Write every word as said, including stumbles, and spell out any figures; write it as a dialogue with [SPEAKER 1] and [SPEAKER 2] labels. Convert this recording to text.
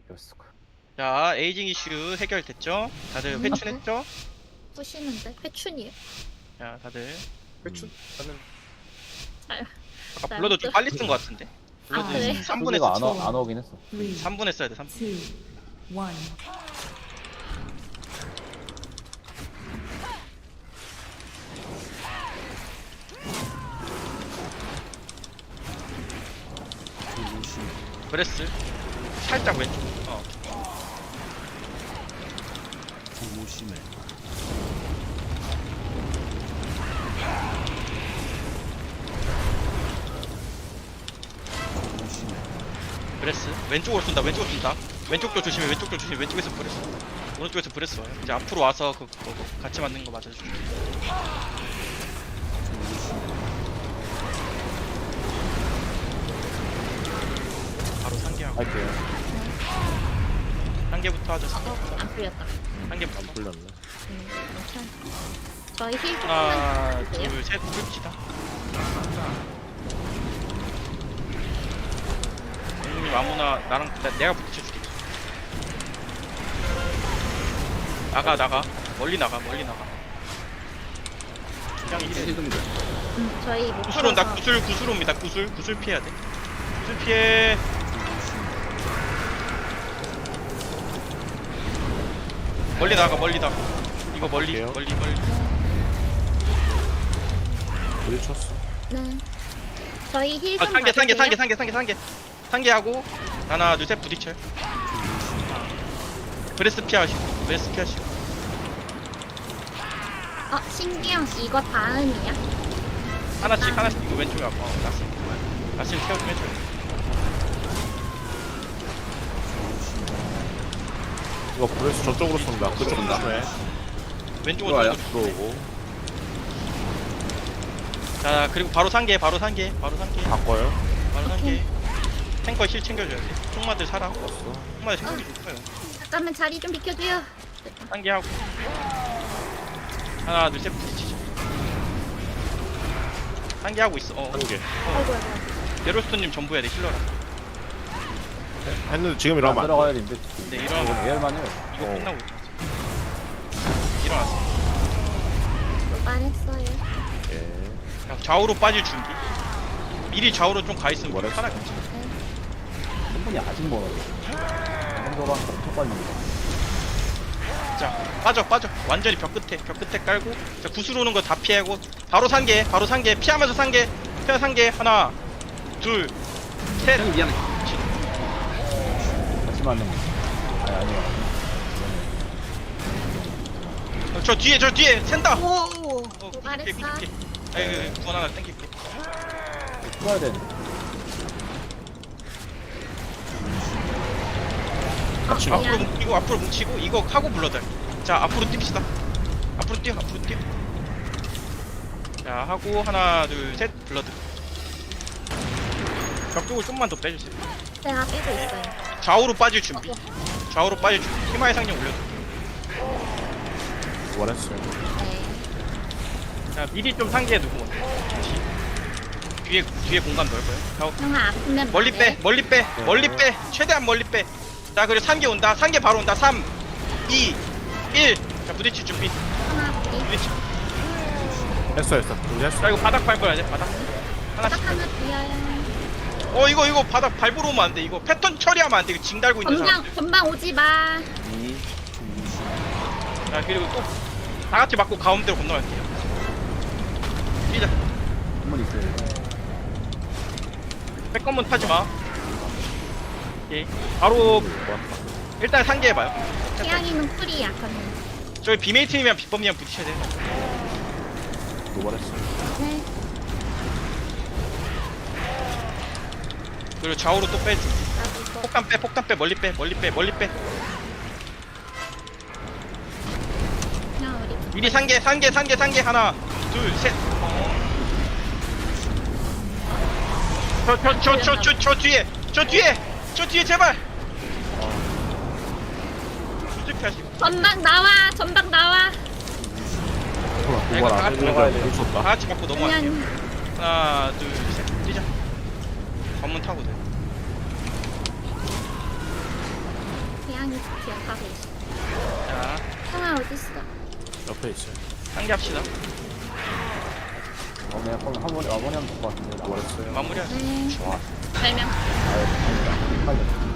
[SPEAKER 1] 였을까?
[SPEAKER 2] 자, 에이징 이슈 해결됐죠? 다들 회춘했죠?
[SPEAKER 3] 부시는데 회춘이에요.
[SPEAKER 2] 자, 다들
[SPEAKER 1] 회춘? 나는
[SPEAKER 3] 아유,
[SPEAKER 2] 아까
[SPEAKER 3] 나
[SPEAKER 2] 블러드 좀
[SPEAKER 3] 또-
[SPEAKER 2] 빨리 쓴 것 같은데?
[SPEAKER 3] 아,
[SPEAKER 2] 블러드
[SPEAKER 3] 그래?
[SPEAKER 2] 삼 분에
[SPEAKER 1] 소리가 안,
[SPEAKER 2] 썼어.
[SPEAKER 1] 와, 안 오긴 했어.
[SPEAKER 4] three,
[SPEAKER 2] 삼 분에 써야 돼, 삼 분.
[SPEAKER 4] two, one.
[SPEAKER 2] 브레스 살짝 왼쪽. 어.
[SPEAKER 5] 조심해. 조심해.
[SPEAKER 2] 브레스 왼쪽으로 쏜다. 왼쪽으로 쏜다. 왼쪽 쪽 조심해. 왼쪽 쪽 조심해. 왼쪽에서 브레스. 오른쪽에서 브레스 와요. 이제 앞으로 와서 그, 그거 같이 맞는 거 맞아주고. 바로 상계하고.
[SPEAKER 1] 할게요.
[SPEAKER 2] 상계부터 하죠.
[SPEAKER 3] 어,
[SPEAKER 2] 상계부터.
[SPEAKER 3] 안 풀렸다.
[SPEAKER 2] 상계부터.
[SPEAKER 1] 안 풀렸네.
[SPEAKER 3] 음, 괜찮아. 저희 힐
[SPEAKER 2] 하나,
[SPEAKER 3] 조금만 주세요.
[SPEAKER 2] 둘, 셋, 봅시다. 형님 아무나 나랑 나, 내가 붙여줄게. 나가 나가 멀리 나가 멀리 나가. 그냥 이래.
[SPEAKER 3] 음, 저희 못
[SPEAKER 2] 구슬 온다.
[SPEAKER 3] 풀어서
[SPEAKER 2] 구슬 구슬 옵니다. 구슬 구슬 피해야 돼. 구슬 피해. 멀리 나가 멀리 나가. 이거 멀리
[SPEAKER 1] 갈게요.
[SPEAKER 2] 멀리 멀리.
[SPEAKER 1] 어디 쳤어?
[SPEAKER 3] 네. 저희 힐
[SPEAKER 2] 아
[SPEAKER 3] 좀
[SPEAKER 2] 상계 상계 상계
[SPEAKER 3] 봐주세요.
[SPEAKER 2] 상계 상계 상계 상계하고 하나 둘 셋 부딪혀요. 브레스 피하시고 브레스 피하시고.
[SPEAKER 3] 어, 신기영 씨 이거 다음이야?
[SPEAKER 2] 하나씩 하나씩 이거 왼쪽에 아파. 어, 나스 나스 케어 좀 해줘요.
[SPEAKER 1] 이거 브레스 저쪽으로 쏜다. 그쪽 조심해.
[SPEAKER 2] 왼쪽으로
[SPEAKER 1] 와요.
[SPEAKER 2] 쏘고.
[SPEAKER 1] 들어오고.
[SPEAKER 2] 자 그리고 바로 상계 바로 상계 바로 상계
[SPEAKER 1] 바꿔요.
[SPEAKER 2] 바로 상계.
[SPEAKER 3] 오케이.
[SPEAKER 2] 탱커 힐 챙겨줘야 돼. 총마들 살아.
[SPEAKER 1] 왔어.
[SPEAKER 2] 총마들 챙겨주고 있어요.
[SPEAKER 3] 잠깐만 자리 좀 비켜줘요.
[SPEAKER 2] 상계하고 하나 둘 셋 부딪히죠. 상계하고 있어. 어.
[SPEAKER 1] 한 개.
[SPEAKER 3] 아이고 아이고.
[SPEAKER 2] 제로스톤님 전부 해야 돼 힐러라.
[SPEAKER 1] 했는데 지금
[SPEAKER 6] 안
[SPEAKER 1] 이러면 안 돼.
[SPEAKER 6] 들어가야 되는데
[SPEAKER 2] 네 일어나.
[SPEAKER 6] 예열만 해요.
[SPEAKER 2] 이거
[SPEAKER 1] 어.
[SPEAKER 2] 끝나고 일어났어. 일어났어.
[SPEAKER 3] 말했어요.
[SPEAKER 1] 예.
[SPEAKER 2] 그냥 좌우로 빠질 준비. 미리 좌우로 좀 가 있으면
[SPEAKER 1] 뭐랬어?
[SPEAKER 2] 편하게.
[SPEAKER 6] 한 분이 아직 멀어요. 정도로 한 엄청 빨리.
[SPEAKER 2] 자 빠져 빠져 완전히 벽 끝에 벽 끝에 깔고 자 구슬 오는 거 다 피하고 바로 상계 바로 상계 피하면서 상계 피하 상계 하나 둘셋 미안해
[SPEAKER 6] 같이 맞는 거. 아니 아니요.
[SPEAKER 2] 저 뒤에 저 뒤에 샌다 어
[SPEAKER 3] 말했어.
[SPEAKER 2] 구십개 구십개 아이 구원 하나 땡길게
[SPEAKER 6] 풀어야 되는데.
[SPEAKER 1] 같이
[SPEAKER 3] 어,
[SPEAKER 1] 가.
[SPEAKER 2] 앞으로
[SPEAKER 3] 미안.
[SPEAKER 2] 뭉치고 앞으로 뭉치고 이거 하고 불러들 자 앞으로 뜁시다 앞으로 뛰어 앞으로 뛰어 자 하고 하나 둘 셋 불러들 벽 쪽을 좀만 더 빼주세요
[SPEAKER 3] 제가 빼고 있어요.
[SPEAKER 2] 좌우로 빠질 준비 좌우로 빠질 준비 희망의 상령 올려줘
[SPEAKER 1] 원했어요.
[SPEAKER 3] 네.
[SPEAKER 2] 자 미리 좀 상기해 두고 뒤에 뒤에 공간 넓어요 자,
[SPEAKER 3] 형아 아프면
[SPEAKER 2] 멀리
[SPEAKER 3] 말해.
[SPEAKER 2] 빼 멀리 빼 멀리 빼 최대한 멀리 빼자 그리고 상계 온다 상계 바로 온다 삼 이 일 자 부딪힐 준비
[SPEAKER 3] 형아 우리
[SPEAKER 2] 부딪힐
[SPEAKER 1] 했어 했어. 이제 했어.
[SPEAKER 2] 자 이거 바닥 밟아야 돼 바닥
[SPEAKER 3] 딱
[SPEAKER 2] 하나씩
[SPEAKER 3] 하나 비어요.
[SPEAKER 2] 어 이거 이거 바닥 밟으러 오면 안돼 이거 패턴 처리하면 안돼 이거 징 달고 있는 사람
[SPEAKER 3] 전방 전방 오지 마.
[SPEAKER 2] 자 그리고 또 다같이 맞고 가운데로 건너갈게요 뛰자
[SPEAKER 6] 한 분 있어요.
[SPEAKER 2] 백건문 타지마 오케이 바로 일단 상계해봐요
[SPEAKER 3] 태양이는 풀이야 그러면.
[SPEAKER 2] 저기 비메이트님이랑 비법님이랑 부딪혀야 돼
[SPEAKER 1] 노발했어.
[SPEAKER 3] 네.
[SPEAKER 2] 그리고 좌우로 또 빼줘
[SPEAKER 3] 나도 이거.
[SPEAKER 2] 폭탄 빼 폭탄 빼 멀리 빼 멀리 빼 멀리 빼
[SPEAKER 3] 그냥 우리
[SPEAKER 2] 미리 상계 상계 상계 상계 하나 둘셋 저 저 저 저 저 저 뒤에 저 뒤에 저 뒤에 제발 이렇게 하시고
[SPEAKER 3] 전방 나와. 전방 나와.
[SPEAKER 1] 도발 안 해주니까 못
[SPEAKER 2] 다
[SPEAKER 1] 쳤다.
[SPEAKER 2] 같이 맞고 넘어갈게요
[SPEAKER 3] 그냥
[SPEAKER 2] 하나 둘셋 뛰자 관문 타고 돼
[SPEAKER 3] 고양이 기억하고 있어.
[SPEAKER 2] 자
[SPEAKER 3] 형아 어딨어?
[SPEAKER 1] 옆에 있어요.
[SPEAKER 2] 상기합시다.
[SPEAKER 6] 어, 그냥 한 번에, 어머니 하면 될 것 같은데. 나
[SPEAKER 1] 뭐랬어요?
[SPEAKER 2] 마무리하자.
[SPEAKER 3] 네.
[SPEAKER 6] 와,
[SPEAKER 3] 네 명.
[SPEAKER 6] 아유, 아니다. 빨리.